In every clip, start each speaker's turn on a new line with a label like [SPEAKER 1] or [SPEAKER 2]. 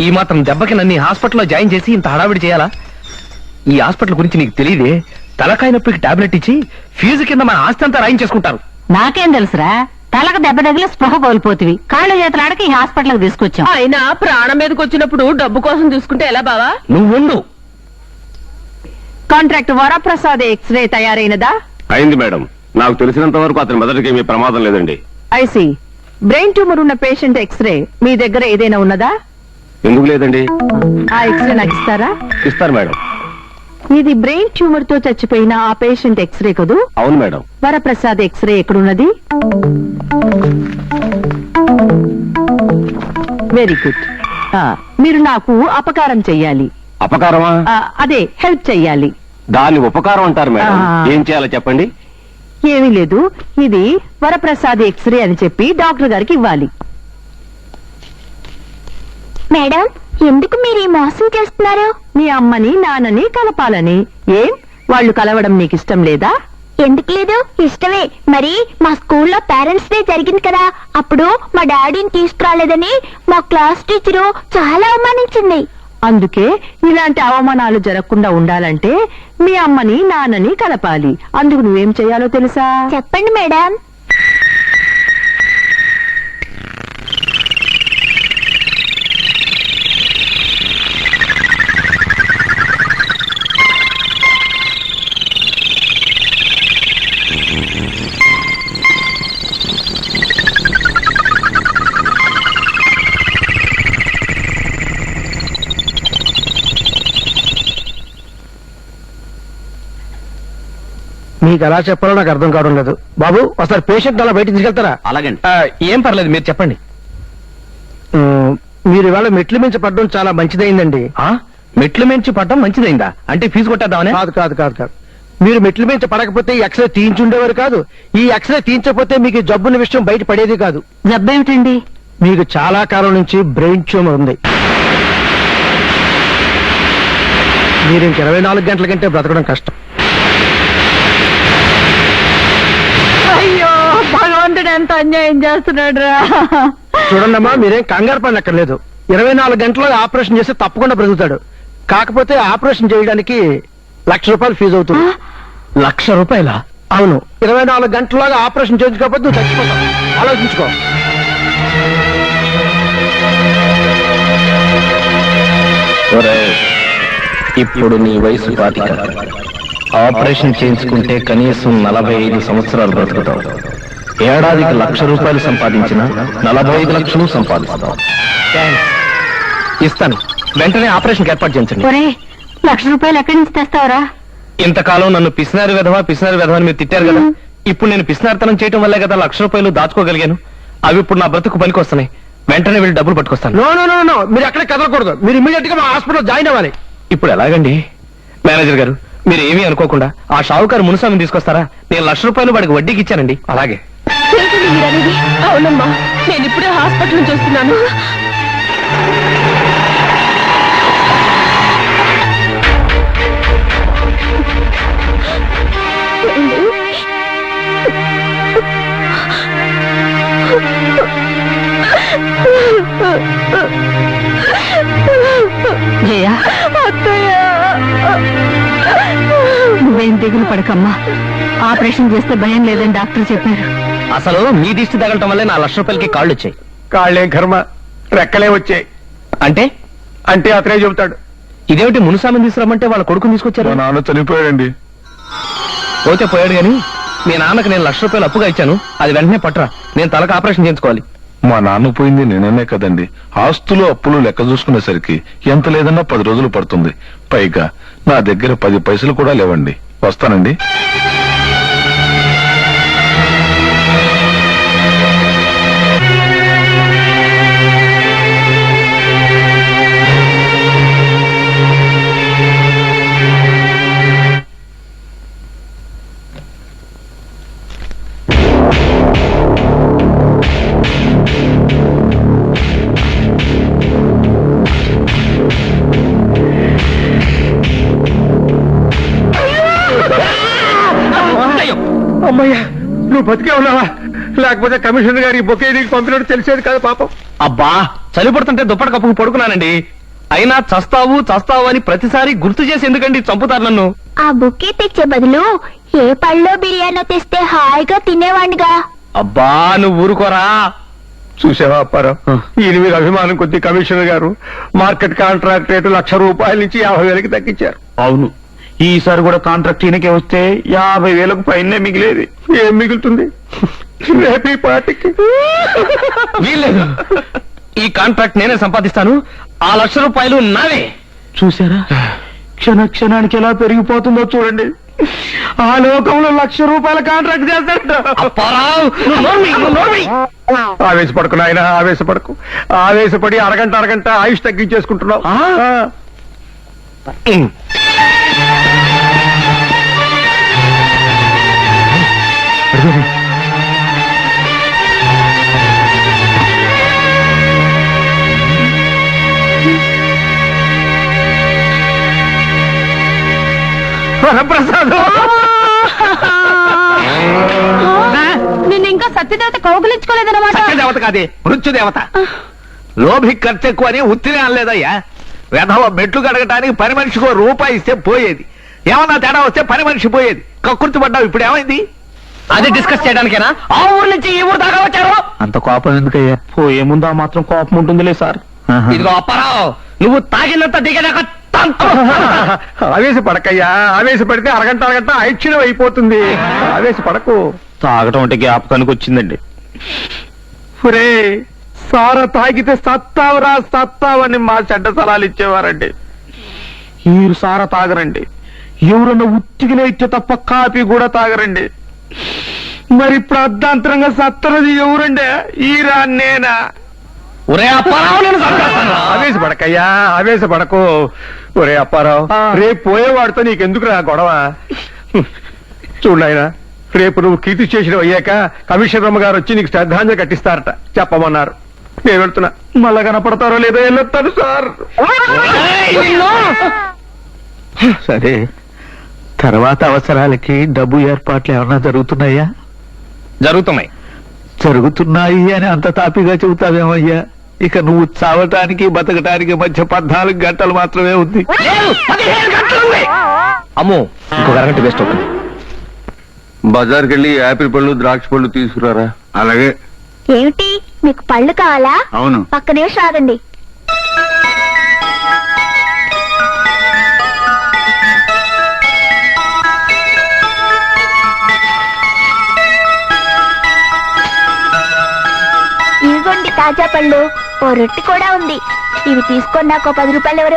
[SPEAKER 1] ఈ మాత్రం దెబ్బకి నన్ను హాస్పిటల్లో జాయిన్ చేసి ఇంత హడావిడి చేయాలా? ఈ హాస్పిటల్ గురించి నీకు తెలియదే. తలకాయ నొప్పికి టాబ్లెట్ ఇచ్చి ఫీజు కింద మన ఆస్తి అంతా రాయించేసుకుంటారు.
[SPEAKER 2] నాకేం తెలుసురా, తలకు దెబ్బ తగిలి స్పృహ కోల్పోతివి. కాళ్ళు చేతులాడకి ఈ హాస్పిటల్ కి తీసుకొచ్చాం.
[SPEAKER 3] అయినా ప్రాణం మీదకి వచ్చినప్పుడు డబ్బు కోసం చూసుకుంటే ఎలా బావా?
[SPEAKER 1] నువ్వు
[SPEAKER 3] కాంట్రాక్ట్ వరప్రసాద్ ఎక్స్రే తయారైనదా?
[SPEAKER 4] అయింది మేడం. నాకు తెలిసినంత వరకు అతని మెదడుకి ఏమీ ప్రమాదం లేదండి.
[SPEAKER 3] ఐసి బ్రెయిన్ ట్యూమర్ ఉన్న పేషెంట్ ఎక్స్రే మీ దగ్గర ఏదైనా ఉన్నదా?
[SPEAKER 4] ఎందుకు లేదండి?
[SPEAKER 3] ఆ ఎక్స్రే నాకు ఇస్తారా?
[SPEAKER 4] ఇస్తారు మేడం.
[SPEAKER 3] ఇది బ్రెయిన్ ట్యూమర్ తో చచ్చిపోయిన ఆ పేషెంట్ ఎక్స్రే కదూ?
[SPEAKER 4] అవును మేడం.
[SPEAKER 3] వరప్రసాద్ ఎక్స్రే ఎక్కడున్నది? Very good. మీరు నాకు అపకారం చెయ్యాలి.
[SPEAKER 4] అపకారమా?
[SPEAKER 3] అదే హెల్ప్ చెయ్యాలి.
[SPEAKER 4] దాన్ని ఉపకారం అంటారు మేడం. ఏం చేయాలో చెప్పండి.
[SPEAKER 3] ఏమీ లేదు, ఇది వరప్రసాద్ ఎక్స్రే అని చెప్పి డాక్టర్ గారికి ఇవ్వాలి.
[SPEAKER 2] మేడం, ఎందుకు మీరు ఈ మోసం చేస్తున్నారు?
[SPEAKER 3] మీ అమ్మని నాన్నని కలపాలని. ఏం వాళ్ళు కలవడం నీకు ఇష్టం లేదా?
[SPEAKER 2] ఎందుకు లేదు, ఇష్టమే. మరి మా స్కూల్లో పేరెంట్స్ డే జరిగింది కదా, అప్పుడు మా డాడీని తీసుకురాలేదని మా క్లాస్ టీచరు చాలా అవమానించింది.
[SPEAKER 3] అందుకే ఇలాంటి అవమానాలు జరగకుండా ఉండాలంటే మీ అమ్మని నాన్నని కలపాలి. అందుకు నువ్వేం చెయ్యాలో తెలుసా?
[SPEAKER 2] చెప్పండి మేడం.
[SPEAKER 1] మీకు ఎలా చెప్పాలో నాకు అర్థం కావడం లేదు. బాబు ఒకసారి పేషెంట్ అలా బయటకు తీసుకెళ్తారా?
[SPEAKER 4] అలాగండి.
[SPEAKER 1] ఏం పర్లేదు, మీరు చెప్పండి. మీరు ఇవాళ మెట్లు మించి పడడం చాలా మంచిదైందండి. మెట్లు మించి పడడం మంచిదైందా? అంటే ఫీజు కొట్టేద్దామని? కాదు కాదు కాదు కాదు. మీరు మెట్లు మించి పడకపోతే ఈ ఎక్స్రే తీయించుండేవారు కాదు. ఈ ఎక్స్రే తీయించకపోతే మీకు జబ్బున్న విషయం బయట పడేది కాదు.
[SPEAKER 3] జబ్బేమిటండి?
[SPEAKER 1] మీకు చాలా కాలం నుంచి బ్రెయిన్ ట్యూమర్ ఉంది. మీరు ఇంక 24 గంటల కంటే బ్రతకడం కష్టం.
[SPEAKER 3] అయ్యో, భగవంతుడు ఎంత అన్యాయం చేస్తున్నాడు రా.
[SPEAKER 1] చూడండమ్మా, మీరేం కంగారు పడనక్కర్లేదు. 24 గంటల్లో ఆపరేషన్ చేస్తే తప్పకుండా బ్రతుకుతాడు. కాకపోతే ఆపరేషన్ చేయడానికి ₹1,00,000 ఫీజు అవుతుంది. ₹1,00,000? అవును. 24 గంటల్లోగా ఆపరేషన్ చేయించుకోకపోతే నువ్వు చచ్చిపోతావు. ఆలోచించుకో. ఇప్పుడు నీ వయసు 25. ఆపరేషన్ చేయించుకుంటే కనీసం 45 సంవత్సరాలు బ్రతుకుతావు. ఏడాదికి ₹1,00,000 సంపాదించిన 45 లక్షలు సంపాదిస్తావు. ఇస్తాను. వెంటనే ఆపరేషన్ ఏర్పాటు చేయించండి.
[SPEAKER 2] ₹1,00,000 ఎక్కడి నుంచి తెస్తావరా?
[SPEAKER 1] ఇంతకాలం నన్ను పిసినారి విధవా అని మీరు తిట్టారు కదా. ఇప్పుడు నేను పిసినారితనం చేయడం వల్లే కదా ₹1,00,000 దాచుకోగలిగాను. అవి ఇప్పుడు నా బ్రతుకు పనికి వస్తున్నాయి. వెంటనే వెళ్ళి డబ్బులు పట్టుకొస్తాను. నో, మీరు ఎక్కడ కదలకూడదు. మీరు ఇమీడియట్ గా మా హాస్పిటల్ జాయిన్ అవ్వాలి. ఇప్పుడు ఎలాగండి? మేనేజర్ గారు, మీరు ఏమీ అనుకోకుండా ఆ షావుకారు మునుస్వామిని తీసుకొస్తారా? నేను ₹1,00,000 వాడికి వడ్డీకి ఇచ్చానండి. అలాగే.
[SPEAKER 3] అవునమ్మా, నేను ఇప్పుడే హాస్పిటల్ నుంచి వస్తున్నాను.
[SPEAKER 2] నువ్వేం దిగులు పడకమ్మా, ఆపరేషన్ చేస్తే భయం లేదని డాక్టర్ చెప్పారు.
[SPEAKER 1] అసలు మీ దిష్టి తగలటం వల్లే నా ₹1,00,000 కాళ్ళు వచ్చాయి.
[SPEAKER 4] కాళ్ళేం కర్మ, రెక్కలే వచ్చాయి.
[SPEAKER 1] అంటే
[SPEAKER 4] అతనే చెబుతాడు.
[SPEAKER 1] ఇదేమిటి, మునుస్వామిని తీసుకురమ్మంటే వాళ్ళ కొడుకుని తీసుకొచ్చారు?
[SPEAKER 4] నాన్న చనిపోయాడండి.
[SPEAKER 1] పోతే పోయాడు గాని మీ నాన్నకు నేను ₹1,00,000 అప్పుగా ఇచ్చాను. అది వెంటనే పట్టరా, నేను తలకు ఆపరేషన్ చేయించుకోవాలి.
[SPEAKER 5] మా నాన్న పోయింది నేననే కదండి. ఆస్తులు అప్పులు లెక్క చూసుకునేసరికి ఎంత లేదన్నా 10 రోజులు పడుతుంది. పైగా నా దగ్గర 10 పైసలు కూడా లేవండి. వస్తానండి.
[SPEAKER 4] అమ్మయ్యా, నువ్వు బతికే ఉన్నావా?
[SPEAKER 6] లేకపోతే కమిషనర్ గారి బొకే నీకు పంపినట్టు తెలిసేది కాదు పాపం.
[SPEAKER 1] అబ్బా చలి పడుతుంటే దుప్పటి కప్పుకు పడుకున్నానండి. అయినా చస్తావు చస్తావు అని ప్రతిసారి గుర్తు చేసి ఎందుకండి చంపుతారు నన్ను?
[SPEAKER 2] ఆ బుక్కే తెచ్చే బదులు ఏ పళ్ళో బిర్యానీ తెస్తే హాయిగా తినేవాడిగా.
[SPEAKER 1] అబ్బా నువ్వు ఊరుకోరా.
[SPEAKER 6] చూసావా అప్పారావు, ఈయన మీద అభిమానం కొద్ది కమిషనర్ గారు మార్కెట్ కాంట్రాక్ట్ రేటు ₹1,00,000 నుంచి 50,000కి తగ్గించారు.
[SPEAKER 1] అవును, ఈసారి కూడా కాంట్రాక్ట్ ఈయనకే వస్తే 50,000కు పైనే మిగిలేది.
[SPEAKER 6] ఏం మిగులుతుంది రేపు ఈ పార్టీకి?
[SPEAKER 1] వీల్లేదు, ఈ కాంట్రాక్ట్ నేనే సంపాదిస్తాను. ఆ ₹1,00,000 నావే.
[SPEAKER 7] చూసారా క్షణ క్షణానికి ఎలా పెరిగిపోతుందో చూడండి. ఆ లోకంలో ₹1,00,000 కాంట్రాక్ట్ చేస్తాడు.
[SPEAKER 1] అప్పారావు, నువ్వు నోర్మి, నువ్వు నోర్మి.
[SPEAKER 6] ఆవేశపడకు నాయన, ఆవేశపడకు. ఆవేశపడి అరగంట ఆయుష్ తగ్గించేసుకుంటున్నావు.
[SPEAKER 1] వరప్రసాద్,
[SPEAKER 3] నిన్ను ఇంకా సత్యదేవత కౌగులించుకోలేదన్నమాట.
[SPEAKER 7] దేవత కాదే, మృత్యుదేవత. లోభి ఖర్చు ఎక్కువ అని ఉత్తినే అనలేదయ్యా. వెధవ మెట్లు కడగటానికి పని మనిషికి ₹1 ఇస్తే పోయేది. ఏమన్నా తేడా వస్తే పని మనిషి పోయేది. కక్కుర్తి పడ్డావు, ఇప్పుడు ఏమైంది?
[SPEAKER 1] అది డిస్కస్ చేయడానికేనా ఆ ఊరు నుంచి ఈ ఊరు దాకా వచ్చారు?
[SPEAKER 7] అంత కోపం ఎందుకయ్యా?
[SPEAKER 1] పోయే ముందు ఆ మాత్రం కోపం ఉంటుందిలే సార్. ఇదిగో అప్పారావు, నువ్వు తాగినంత దిగదాకా
[SPEAKER 6] ఆవేశపడకయ్యా. ఆవేశపడితే అరగంట ఐక్షణం అయిపోతుంది. ఆవేశపడకు.
[SPEAKER 1] తాగటం అంటే జ్ఞాపకానికి వచ్చిందండి.
[SPEAKER 7] ఒరే సార తాగితే సత్తావరా సత్తావని మా చెడ్డ సలాలు ఇచ్చేవారండి. మీరు సార తాగరండి, ఎవరన్నా ఉత్తికినే ఇచ్చే తప్ప కాపీ కూడా తాగరండి. మరి ఇప్పుడు అర్ధాంతరంగా సత్తరది ఎవరండి? ఈరా నేనా?
[SPEAKER 1] ఒరే అప్పారావు, నేను చంపేస్తాను.
[SPEAKER 6] ఆవేశపడకయ్యా, ఆవేశపడకు. ఒరే అప్పారావు, రేపు పోయేవాడితో నీకెందుకు రా గొడవ? చూడాయన, రేపు నువ్వు కీర్తి చేసిన అయ్యాక కమిషనర్ గారు వచ్చి నీకు శ్రద్ధాంజలి కట్టిస్తారట, చెప్పమన్నారు. నేను వెళ్తున్నా. మళ్ళా కనపడతారో లేదో వెళ్ళొస్తాను సార్.
[SPEAKER 7] సరే, తర్వాత అవసరాలకి డబ్బు ఏర్పాట్లు ఏమన్నా జరుగుతున్నాయా?
[SPEAKER 1] జరుగుతున్నాయి.
[SPEAKER 7] జరుగుతున్నాయి అని అంత తాపిగా చెబుతావేమయ్యా? ఇక నువ్వు చావటానికి బతకటానికి మధ్య 14 గంటలు మాత్రమే ఉంది.
[SPEAKER 1] లేదు, 15 గంటలు ఉంది. అమ్మో, ఇంకొక అరగంట వేస్ట్ అవుతుంది.
[SPEAKER 4] బజార్కి వెళ్ళి యాపిల్ పళ్ళు ద్రాక్ష పళ్ళు తీసుకురారా.
[SPEAKER 2] అలాగే. ఏమిటి, మీకు పళ్ళు కావాలా?
[SPEAKER 4] అవును.
[SPEAKER 2] పక్క నిమిషం ఆగండి. ఇదిగోండి తాజా పళ్ళు. ఓ రొట్టె కూడా ఉంది. ఇవి తీసుకొని నాకు ₹10 ఎవరు?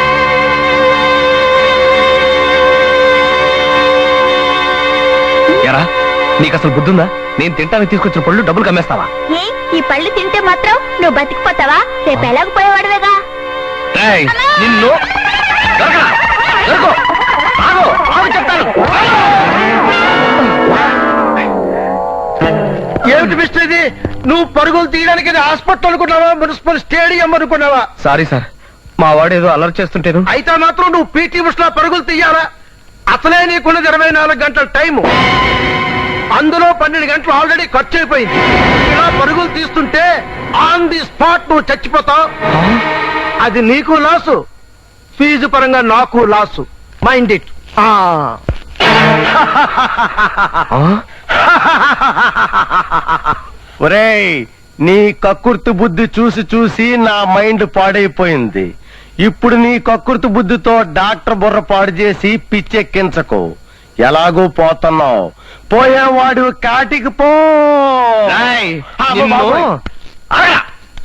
[SPEAKER 1] ఎరా, నీకు అసలు బుద్ధుందా? నేను తింటానికి తీసుకొచ్చిన పళ్ళు డబ్బులు కమ్మేస్తావా?
[SPEAKER 2] ఏ, ఈ పళ్ళు తింటే మాత్రం నువ్వు బతికిపోతావా? రేపు ఎలాగపోయేవాడువేగా.
[SPEAKER 1] ఏయ్, నిన్ను దొరకరా? దొరకు. ఆగు, ఆగు చెప్తాను.
[SPEAKER 6] ఏమిటి మిస్టర్ ఇది? నువ్వు పరుగులు తీయడానికి హాస్పిటల్ అనుకున్నావా, మున్సిపల్ స్టేడియం అనుకున్నావా?
[SPEAKER 1] సారీ సార్, మా వాడు ఏదో అలర్ట్ చేస్తుంటేను.
[SPEAKER 6] అయితే మాత్రం నువ్వు పీటీ ఉషలో పరుగులు తీయాలా? అసలే నీకున్నది 24 గంటల టైము. అందులో 12 గంటలు ఆల్రెడీ ఖర్చు అయిపోయింది. ఇలా పరుగులు తీస్తుంటే ఆన్ ది స్పాట్ నువ్వు చచ్చిపోతావు. అది నీకు లాసు, ఫీజు పరంగా నాకు లాసు. Mind it. ఒరేయ్, నీ కక్కుర్తి బుద్ధి చూసి చూసి నా మైండ్ పాడైపోయింది. ఇప్పుడు నీ కక్కుర్తి బుద్ధితో డాక్టర్ బుర్ర పాడు చేసి పిచ్చెక్కించకు. ఎలాగూ పోతున్నావు, పోయేవాడు కాటికి పో.
[SPEAKER 1] ఏయ్,
[SPEAKER 6] అమ్మ
[SPEAKER 1] నిన్ను-
[SPEAKER 6] బాబోయ్. ఆగరా.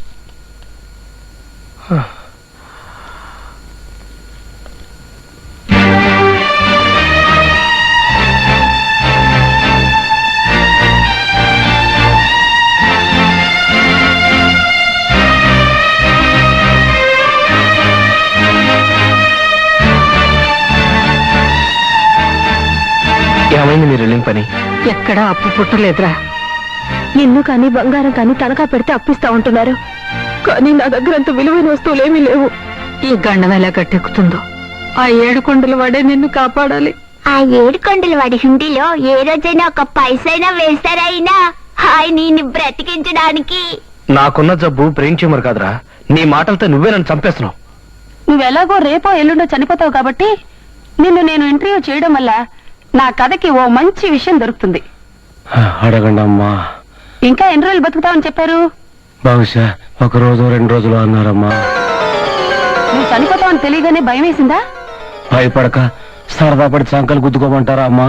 [SPEAKER 1] ఏమైంది మీరు వెళ్ళిన పని?
[SPEAKER 3] ఎక్కడా అప్పు పుట్టలేదురా. ఇల్లు కానీ బంగారం కానీ తనఖా పెడితే అప్పిస్తా ఉంటున్నారు. కానీ నా దగ్గర అంత విలువైన వస్తువులేమీ లేవు. ఈ గండం ఎలా గట్టెక్కుతుందో. ఆ 7 కొండల వాడే నిన్ను కాపాడాలి.
[SPEAKER 2] ఆ 7 కొండల వాడి హుండీలో ఏ రోజైనా ఒక పైసైనా వేస్తారైనా? హాయ్ నిన్ను బ్రతికించడానికి.
[SPEAKER 1] నాకున్న జబ్బు బ్రెయిన్ ట్యూమర్ కాదురా, నీ మాటలతో నువ్వే నన్ను చంపేస్తున్నావు.
[SPEAKER 3] నువ్వెలాగో రేపో ఎల్లుండో చనిపోతావు కాబట్టి నిన్ను నేను ఇంటర్వ్యూ చేయడం వల్ల నా కథకి ఓ మంచి విషయం దొరుకుతుంది.
[SPEAKER 1] అడగండి అమ్మా.
[SPEAKER 3] ఇంకా ఎన్ని రోజులు బతుకుతావని చెప్పారు?
[SPEAKER 1] బహుశా 1 రోజు 2 రోజులు అన్నారమ్మా.
[SPEAKER 3] నువ్వు చనిపోతావని తెలియగానే భయం వేసిందా?
[SPEAKER 1] భయపడక సరదా పడి సంకలు గుద్దుకోమంటారా అమ్మా?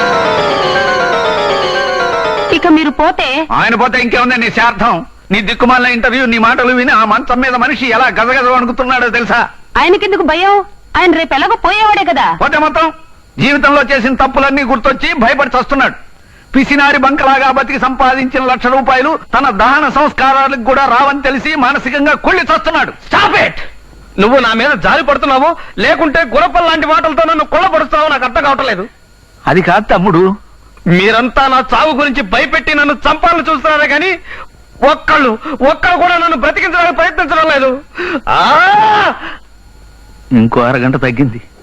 [SPEAKER 3] ఇక మీరు పోతే
[SPEAKER 7] ఆయన పోతే ఇంకేముంది నీ శార్థం? నీ దిక్కుమాలిన ఇంటర్వ్యూ, నీ మాటలు విని ఆ మంచం మీద మనిషి ఎలా గజగజ వణుకుతున్నాడో తెలుసా?
[SPEAKER 3] ఆయనకెందుకు భయం? ఆయన రేపు ఎలాగో పోయేవాడే కదా.
[SPEAKER 7] పోతే మొత్తం జీవితంలో చేసిన తప్పులన్నీ గుర్తొచ్చి భయపడి చస్తున్నాడు. పిసినారి బంకలాగా బతికి సంపాదించిన ₹1,00,000 తన దహన సంస్కారాలకు కూడా రావని తెలిసి మానసికంగా కుళ్ళి చస్తున్నాడు.
[SPEAKER 1] Stop it! నువ్వు నా మీద జారి పడుతున్నావు, లేకుంటే గురపల్ లాంటి మాటలతో నన్ను కొల్లబడుతున్నావు. నాకు అర్థం కావట్లేదు.
[SPEAKER 7] అది కాదు తమ్ముడు,
[SPEAKER 1] మీరంతా నా చావు గురించి భయపెట్టి నన్ను చంపాలని చూస్తున్నారే కానీ ఒక్కళ్ళు కూడా నన్ను బ్రతికించడానికి ప్రయత్నించడం లేదు.
[SPEAKER 7] ఇంకో 1/2 గంట తగ్గింది.